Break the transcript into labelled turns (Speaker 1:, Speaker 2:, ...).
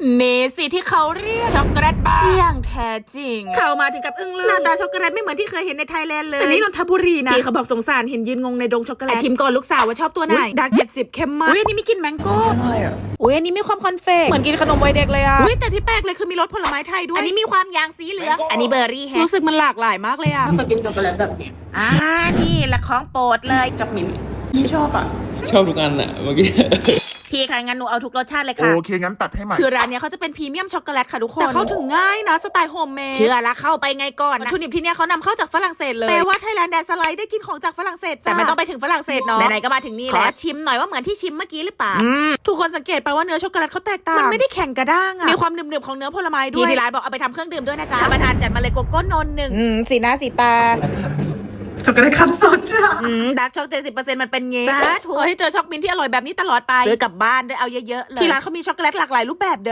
Speaker 1: เนสิที่เขาเรียกช็อกโกแลตบาร์อย่างแท้จริงเข้ามาถึงกับอึ้งเลยหน้าตาช็อกโกแลตไม่เหมือนที่เคยเห็นในไทยแลนด์เลยแต่นี่นนทบุรีนะพี่เขาบอกสงสารเห็นยืนงงในดงช็อกโกแลตชิมก่อนลูกสาวว่าชอบตัวไหนดาร์ก70เข้มมากอุ้ยอันนี้มีกลิ่นแมงโก้อุ้ยอันนี้มีความคอนเฟกเหมือนกินขนมวัยเด็กเลยอ่ะอุ้ยแต่ที่แปลกเลยคือมีรสผลไม้ไทยด้วยอันนี้มีความยางสีเหลืองอันนี้เบอร์รี่แฮะรู้สึกมันหลากหลายมากเลยอ่ะ
Speaker 2: ถ้ากินช็อกโกแลตแบบนี้
Speaker 1: นี่แหละของโปรดเลย
Speaker 2: จับมิ้นไม่ชอบอ่ะ
Speaker 3: ชอบทุกอันอะเมื่อกี้
Speaker 1: พี่ค่ะงั้นหนูเอาทุกรสชาติเลยค่ะ
Speaker 4: โอเคงั้นตัดให้ใหม่
Speaker 1: คือร้านนี้เขาจะเป็นพรีเมียมช็อกโกแลตค่ะทุกคนแต่เข้าถึงง่ายนะสไตล์โฮมเมดเชื่อละเข้าไปไงก่อนวัตถุดิบที่เนี่ยเขานำเข้าจากฝรั่งเศสเลยแต่ว่าไทยแลนด์แดนสไลด์ได้กินของจากฝรั่งเศสแต่ไม่ต้องไปถึงฝรั่งเศสเนาะไหนๆก็มาถึงนี่แล้วชิมหน่อยว่าเหมือนที่ชิมเมื่อกี้หรือเปล่าทุกคนสังเกตไปว่าเนื้อช็อกโกแลตเขาแตกต่างมันไม่ได้แข็งกระด้างอะมีความหนึบๆของเนื้อผลไม้ด้วยที่ร้านบอกเอาไปทำเครื่องดื่มด้วยนะจ๊ะท่านประธานจัดมาเลยโกโก้นนท์หนึ่งสีหน้าสีตา
Speaker 2: ช็อกโกแลตคัพสดจ้ะ
Speaker 1: ดาร์กช็อก70%มันเป็นเงี้ยสาธุให้เจอช็อกมิ้นที่อร่อยแบบนี้ตลอดไปซื้อกลับบ้านได้เอาเยอะๆเลยที่ร้านเขามีช็อกโกแลตหลากหลายรูปแบบ